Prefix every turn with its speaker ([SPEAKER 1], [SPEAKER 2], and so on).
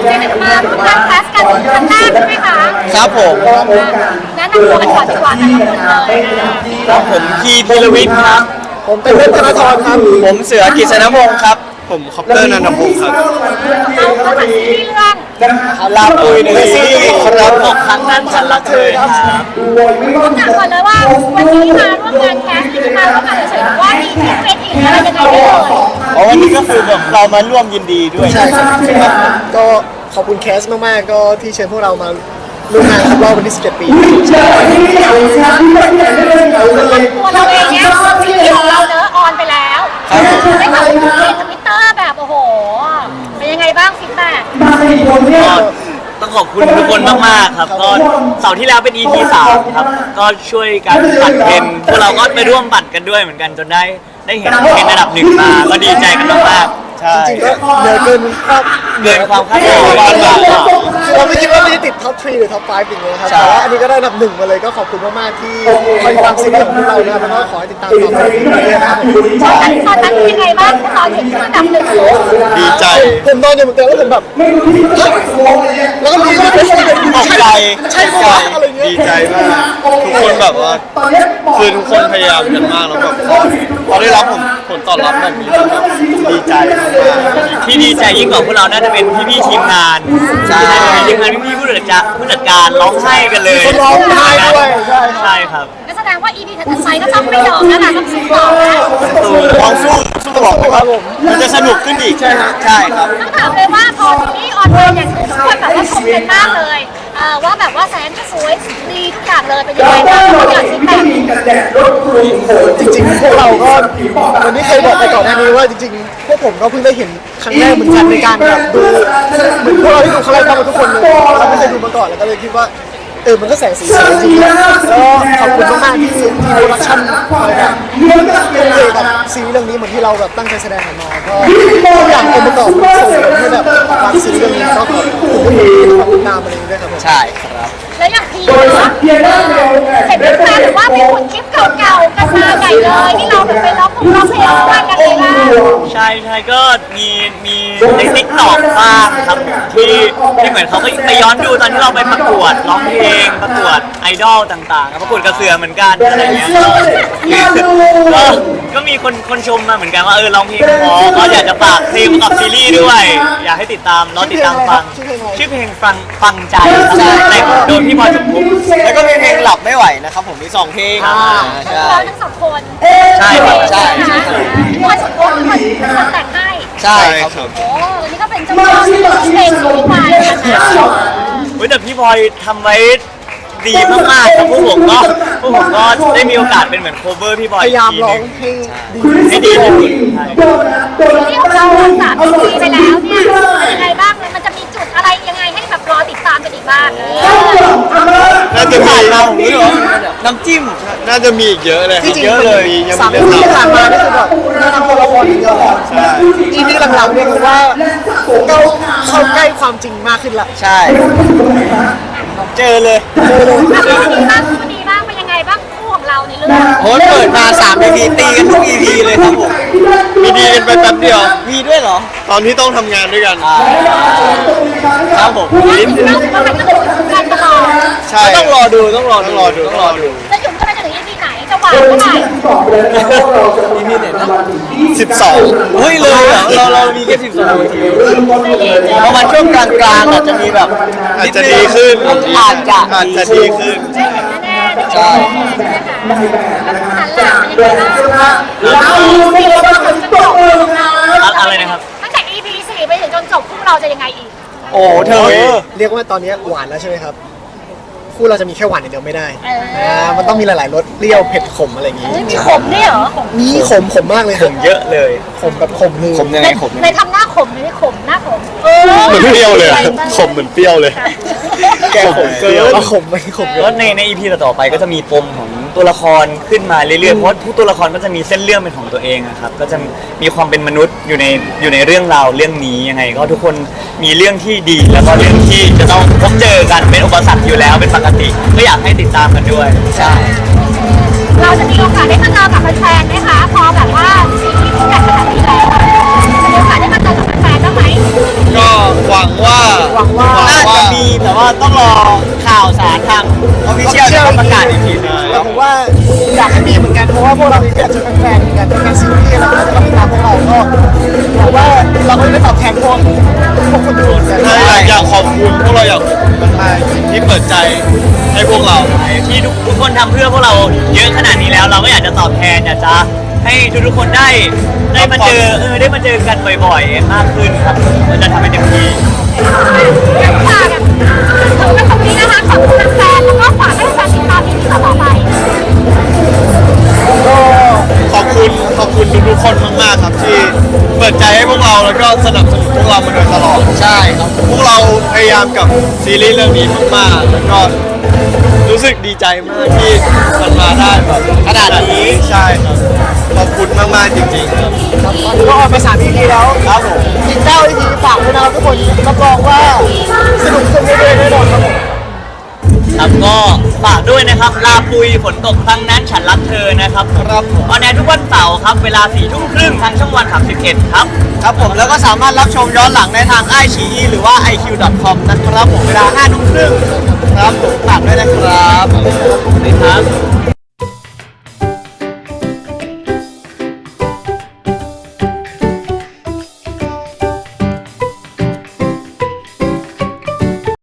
[SPEAKER 1] มาร่วมงานแคสกันครั้งแรกใช่ไหมคะ
[SPEAKER 2] ครับผม
[SPEAKER 1] แนะนำตัวกันก่อนดีกว่าแต่ละคนเลย
[SPEAKER 2] ครับผมพีพีรวิทย์ครับ
[SPEAKER 3] ผมเป็นเพชรธนทรครับ
[SPEAKER 2] ผมเสือกิษณพงศ์ครับผมคอปเตอร์นันทพงศ์ครับ
[SPEAKER 1] เราก็มาซีรีส์เรื่อง
[SPEAKER 2] ลาปุยในซีรีส์ครับ6ครั้งนั้นฉันรักเธอครับ
[SPEAKER 1] ต้องถามก่อนเลยว่าวันนี้มาร่วมงานแคสที่มาร่วมงานเฉยๆว่ามีที่เป็นอีกอะไรยังไงได้เลย
[SPEAKER 2] วันนี้ก็คือแบบเรามาร่วมยินดีด้วย
[SPEAKER 3] ใช่ครับก็ขอบคุณแคสมากๆก็ที่เชิญพวกเรามาร่วมงานครบรอบวันที่17 ปี
[SPEAKER 1] ตัวเราเองเนี่ยซีรีส์ของเราเนอะออนไปแล้วได้ข่าวว่าในทวิตเตอร์แบบโอ้โหเป็นยังไงบ้างฟีดแบ็ก
[SPEAKER 2] ต้องขอบคุณทุกคนมากๆครับก็เสาร์ที่แล้วเป็น EP 3ครับก็ช่วยกันปั่นเทรนพวกเราก็ไปร่วมปั่นกันด้วยเหมือนกันจนได้เห็นเทรนระดับ1มาก็ดีใจกันมากๆใช่
[SPEAKER 3] จริงๆก็เหนื่อยเกิน
[SPEAKER 2] ความคาดหวัง
[SPEAKER 3] เราไม่คิดว่าไม่ได้ติดท็อป 3 หรือท็อป 5 อย่างเงี้ยครับแต่ว่าอันนี้ก็ได้อันดับ 1 มาเลยก็ขอบคุณมากๆที่คอยติดตามซีรีส์ของพวกเรานะครับแล้วก็ขอให้ติดตามต่อไปเรื่อยๆนะครับ
[SPEAKER 1] ตอนนั้นเป็นยังไงบ้างตอนเห็นที่อันดับ 1
[SPEAKER 2] ดีใจ
[SPEAKER 3] ผมนอนอยู่เหมือนกันแล้วผมแบบแล้วก็มีเพื่อนๆ
[SPEAKER 2] ตกใจ
[SPEAKER 3] ใช่ปะอะไรเงี้ย
[SPEAKER 2] ดีใจมากทุกคนแบบว่าคือทุกคนพยายามกันมากแล้วแบบพอได้รับผลตอบรับแบบนี้แบบดีใจมากที่ดีใจยิ่งกว่าพวกเราน่าจะเป็นพี่ๆทีมงานใช่ทีมงานพี่ๆผู้จัดการร้องไห้กันเลย
[SPEAKER 3] ร้องไห้ด้วย
[SPEAKER 2] ใช่ครับ
[SPEAKER 1] นั่นแสดงว่า EP ถัดไปก็ต้องไม่ยอมนะต้องสู้ต่อนะ
[SPEAKER 2] สู้ตลอดครับผมมันจะสนุกขึ้นอีกใช่ครับใช่ครับ
[SPEAKER 1] ต้องถามเลยว่าพอซีรีส์ออนไปเนี่ยทุกคนแบบว่าชมกันมากเลยว่าแบบว่าแสงก็สวยดีทุกอย่างเลยเป็นยังไงบ้างอยากฟีดแบ็ก
[SPEAKER 3] จริงๆพวกเราก็วันนี้เคยบอกไปก่อนหน้านี้ว่าจริงๆพวกผมก็เพิ่งได้เห็นครั้งแรกเหมือนกันในการแบบดูเหมือนพวกเราที่ดูครั้งแรกกันทุกคนเลยเราไม่เคยดูมาก่อนแล้วก็เลยคิดว่ามันก็แสงสีสวยจริงๆแล้วขอบคุณมากๆที่โปรดักชั่นคอยแบบเกี่ยวกับซีรีส์เรื่องนี้เหมือนที่เราแบบตั้งใจแสดงออกมาก็ทุกอย่างองค์ประกอบส่งผลให้แบบวางซีรีส์เรื่องนี้ก็ขอบคุณทุกคนที่ติดตามอะไรอย่างเงี้ยครับ
[SPEAKER 2] ใช่ครับ
[SPEAKER 1] แล้วอย่างพีเห็นพี่แฟนหรือว่าไปขุดคลิปเก่าๆกันมาใหญ่เลยที่เราแบบไปร้องเพลงด้วยกันเลยนะ
[SPEAKER 2] ใช่ก็มีในTikTokบ้างครับที่เหมือนเขาก็ไปย้อนดูตอนที่เราไปประกวดร้องเพลงประกวดไอดอลต่างๆประกวดกระเสือเหมือนกันอะไรเงี้ยก็มีคนชมมาเหมือนกันว่าร้องเพลงเพราะก็อยากจะฝากเพลงกับซีรีส์ด้วยอยากให้ติดตามรอติดตามฟังชื่อเพลงฟังใจแต่โดยพี่บอยสมภพแล้วก็มีเพลงหลับไม่ไหวนะครับผมมี2เพลง
[SPEAKER 1] ใช่ทั้ง2คน
[SPEAKER 2] ใช่
[SPEAKER 1] พี่บอยสมภพเป็นคนแต่งให้
[SPEAKER 2] ใช่ครับ
[SPEAKER 1] โอ้อันนี้ก็เป็นเจ้าพ่อที่เพลงของพี่บอยนะ
[SPEAKER 2] แต่พี่บอยทำไว้ดีมากๆครับพวกผมก็ได้มีโอกาสเป็นเหมือนโคเวอร์พี่บอย
[SPEAKER 3] พยายามร้องให้
[SPEAKER 2] ดีที่สุด
[SPEAKER 1] ที่เรา3 ปีไปแล้วเนี่ยยังไงบ้างมันจะมีจุดอะไรยังไงให้แบบรอติดตามกันอีกบ้าง
[SPEAKER 2] น่าจะมีน้ำจิ้มน่าจะมีอีกเยอะเลย
[SPEAKER 3] เยอะเลยยังมีเรื่องที่ผ่านมานี่คือแบบแนะนำตัวละครอีกเยอะเลยใช่ EP หลังๆเนี่ยคือว่าเข้าใกล้ความจริงมากขึ้นละ
[SPEAKER 2] ใช่เจอเลย
[SPEAKER 1] ดีบ้างเป็นยังไงบ้างคู่ของเราในเรื่อง
[SPEAKER 2] โหเปิดมา3 EP ตีกันทุก EP เลยครับผมมีดีกันไปแป๊บเดียวมีด้วยเหรอตอนที่ต้องทำงานด้วยกันครับผม
[SPEAKER 1] ลิ้นว่ามันก็เป็นการตลอด
[SPEAKER 2] ใช่ต้องรอดูแล้วหยุ่ม
[SPEAKER 1] ก็ไปถึง EP ไหนจะหวานเท่าไหร่
[SPEAKER 2] EP ไหนนะ12เฮ้ยเลยเรามีแค่12 นาทีประมาณช่วงกลางอาจจะมีแบบอาจจะดีขึ้นอาจจะดีขึ้น
[SPEAKER 1] ใช่
[SPEAKER 2] อะไรนะครับ
[SPEAKER 1] ตั้งแต่ EP 4ไปถึงจนจบคู่เราจะยังไงอีก
[SPEAKER 2] โอ้เธอ
[SPEAKER 3] เรียกว่าตอนนี้หวานแล้วใช่ไหมครับคู่เราจะมีแค่หวานอย่างเดียวไม่ได้มันต้องมีหลายๆรสเปรี้ยวเผ็ดขมอะไรอย่างงี้
[SPEAKER 1] มีขมด้วยเหรอ
[SPEAKER 3] มีขมมากเลย
[SPEAKER 2] ขมเยอะเลย
[SPEAKER 3] ขมแบบขมเลย
[SPEAKER 2] ขมยังไงขม
[SPEAKER 1] ในทำหน้าขมไม่ขมหน้าขม
[SPEAKER 2] เหมือนเปรี้ยวเลยขมเหมือนเปรี้ยวเลย
[SPEAKER 3] แกขมเกินขมไม่ขม
[SPEAKER 2] แล้วใน EP ต่อไปก็จะมีปมของตัวละครขึ้นมาเรื่อยๆเพราะทุกตัวละครก็จะมีเส้นเรื่องเป็นของตัวเองครับก็จะมีความเป็นมนุษย์อยู่ในเรื่องราวเรื่องนี้ยังไงก็ทุกคนมีเรื่องที่ดีแล้วก็เรื่องที่จะต้องพบเจอกันเป็นอุปสรรคอยู่แล้วเป็นปกติก็อยากให้ติดตามกันด้วยใช่
[SPEAKER 1] เราจะมีโอกาสได้มาเจอกับแฟนๆไหมคะพอแบบว่าซีรีส์ที่ใหญ่ขนาดนี้แล้วจะมีโอกาสได้มาเจอกับแฟนๆบ้างไหม
[SPEAKER 2] ก็หวังว่า Official จะประกาศอีกทีนึง
[SPEAKER 3] แต่ผมว่าอยากให้มีเหมือนกันเพราะว่าพวกเราอยากจะเป็นแฟนเหมือนกันเป็นซีรีส์แล้วก็จะติดตามพวกเราก็ผมว่าเราก็ได้ตอบแทนพวกคนดูเหมือนกัน
[SPEAKER 4] อยากขอบคุณพวกเราอยากขอบคุณมากๆที่เปิดใจให้พวกเรา
[SPEAKER 2] ที่ทุกคนทำเพื่อพวกเราเยอะขนาดนี้แล้ว เราก็อยากจะตอบแทนอยากจะให้ทุกๆคนได้มาเจอได้มาเจอกันบ่อยๆมากขึ้นครับเราจะทำให้เต็มที่
[SPEAKER 1] ฝากแบบถึงกันตรงนี้นะคะขอบคุณแฟนแล้วก็ฝากให้แฟนติดตามอีพีต่อไป
[SPEAKER 3] ก็
[SPEAKER 4] ขอบคุณทุกๆคนมากๆครับที่เปิดใจให้พวกเราแล้วก็สนับสนุนพวกเรามาโดยตลอดใช่ครับพวกเราพยายามกับซีรีส์เรื่องนี้มากๆแล้วก็รู้สึกดีใจมากที่มันมาได้แบบขนาดนี้ใช่ครับขอบคุณมากๆจริงๆครับ
[SPEAKER 3] ตอนนี้ก็ออนไป3 EP แล้ว
[SPEAKER 4] ครับผม
[SPEAKER 3] อีก9 EP ฝากด้วยนะครับทุกคนรับรองว่าสนุกขึ้นเรื่อยๆแน่นอนครับผม
[SPEAKER 2] ครับก็ฝากด้วยนะครับลาปุยฝนตกครั้งนั้นฉันรักเธอนะครับ
[SPEAKER 4] ครับ
[SPEAKER 2] ออนแอร์ทุกวันเสาร์ครับเวลา 22:30 ทางช่องวัน31ครับ
[SPEAKER 4] ครับผมแล้วก็สามารถรับชมย้อนหลังได้ทาง iQIYI หรือว่า iq.com นะครับผมเวลา 5:30 นครับผมฝากด้วยนะครับ
[SPEAKER 2] สวัสดีครับ